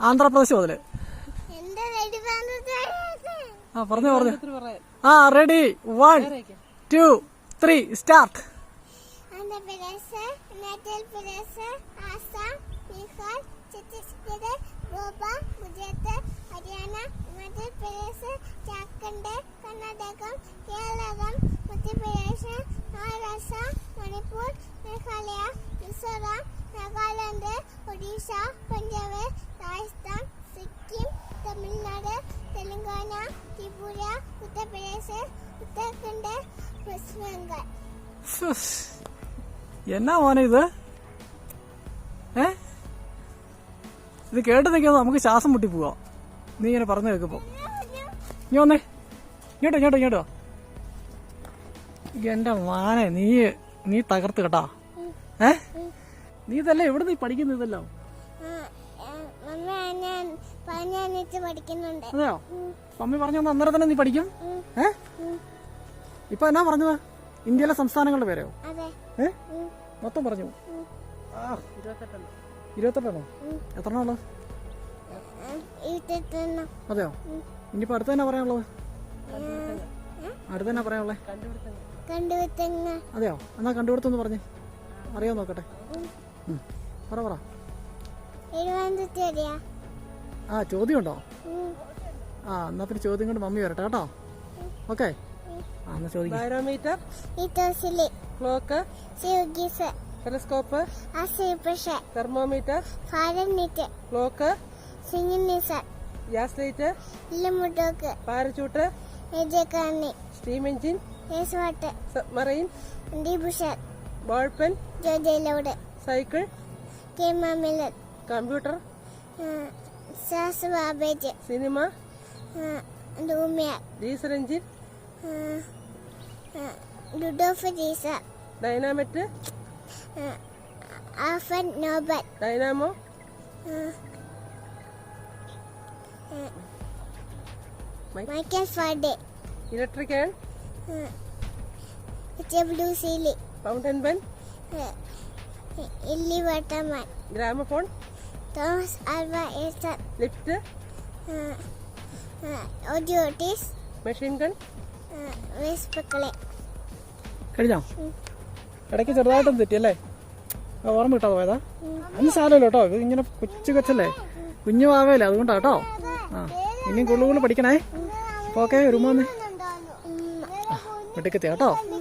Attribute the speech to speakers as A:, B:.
A: ആന്ധ്രാപ്രദേശ് മുതല്. ആ പറഞ്ഞു. ആ ready, 1, 2, 3 start.
B: Haryana, Madhya Pradesh, Jharkhand, Karnataka, Kerala, Madhya Pradesh, Maharashtra, Manipur, Meghalaya, Mizoram, Nagaland, Odisha, Punjab, Rajasthan, Sikkim, Tamil Nadu, Telangana, Tripura, Uttar Pradesh, Uttarakhand, west Bengal.
A: എന്നാ മോനെ ഇത്? ഇത് കേട്ട് നിൽക്കുന്നത് നമുക്ക് ശ്വാസം മുട്ടി പോവാ. നീ ഇങ്ങനെ പറഞ്ഞു കേൾക്കുമ്പോ. നീ വന്നേ, ഇങ്ങോട്ടോ. എന്റെ മാനെ, നീ തകർത്ത് കേട്ടാ. നീ ഇതല്ലേ എവിടെ നീ പഠിക്കുന്ന ഇതെല്ലാം? അതെയോ? മമ്മി പറഞ്ഞു അന്നേരം തന്നെ നീ പഠിക്കും? ഇപ്പൊ എന്നാ പറഞ്ഞത്? ഇന്ത്യയിലെ സംസ്ഥാനങ്ങളുടെ പേരെയോ? മൊത്തം പറഞ്ഞു. 28 എത്ര ഉള്ളത്? അതെയോ? ഇനിയിപ്പോ അടുത്ത തന്നെ പറയാനുള്ളത്? അതെയോ? എന്നാ കണ്ടുപിടുത്തൊന്ന് പറഞ്ഞേ, അറിയാൻ നോക്കട്ടെ. പറ. ആ ചോദ്യം ഉണ്ടോ? ആ എന്നാ പിന്നെ ചോദ്യം കൊണ്ട് മമ്മി വരട്ടെ കേട്ടോ. ഓക്കെ, എന്നാ ചോദിക്കാം.
C: Barometer, clock, telescope, thermometer, clock, gas light, parachute, steam engine, submarine, ball pen, cycle, computer, cinema, diesel engine, dynamite, dynamo,
B: Michael Faraday,
C: electric and fountain pen,
B: Waterman,
C: gramophone,
B: Thomas Alva Edison,
C: lift,
B: ഓഡിയോട്ടിസ്,
C: machine gun,
A: കഴിഞ്ഞോ? ഇടയ്ക്ക് ചെറുതായിട്ടൊന്നും തെറ്റിയല്ലേ? ഓർമ്മ കിട്ടാതെ പോയതാ? അന്ന് സാരമല്ലോ കേട്ടോ. ഇത് ഇങ്ങനെ കൊച്ചല്ലേ, കുഞ്ഞു ആവേലേ, അതുകൊണ്ടാ കേട്ടോ. ആ ഇനിയും കൂടുതൽ പഠിക്കണേ. ഓക്കെ, ഒരു വീട്ടിലെത്തിയാ കേട്ടോ.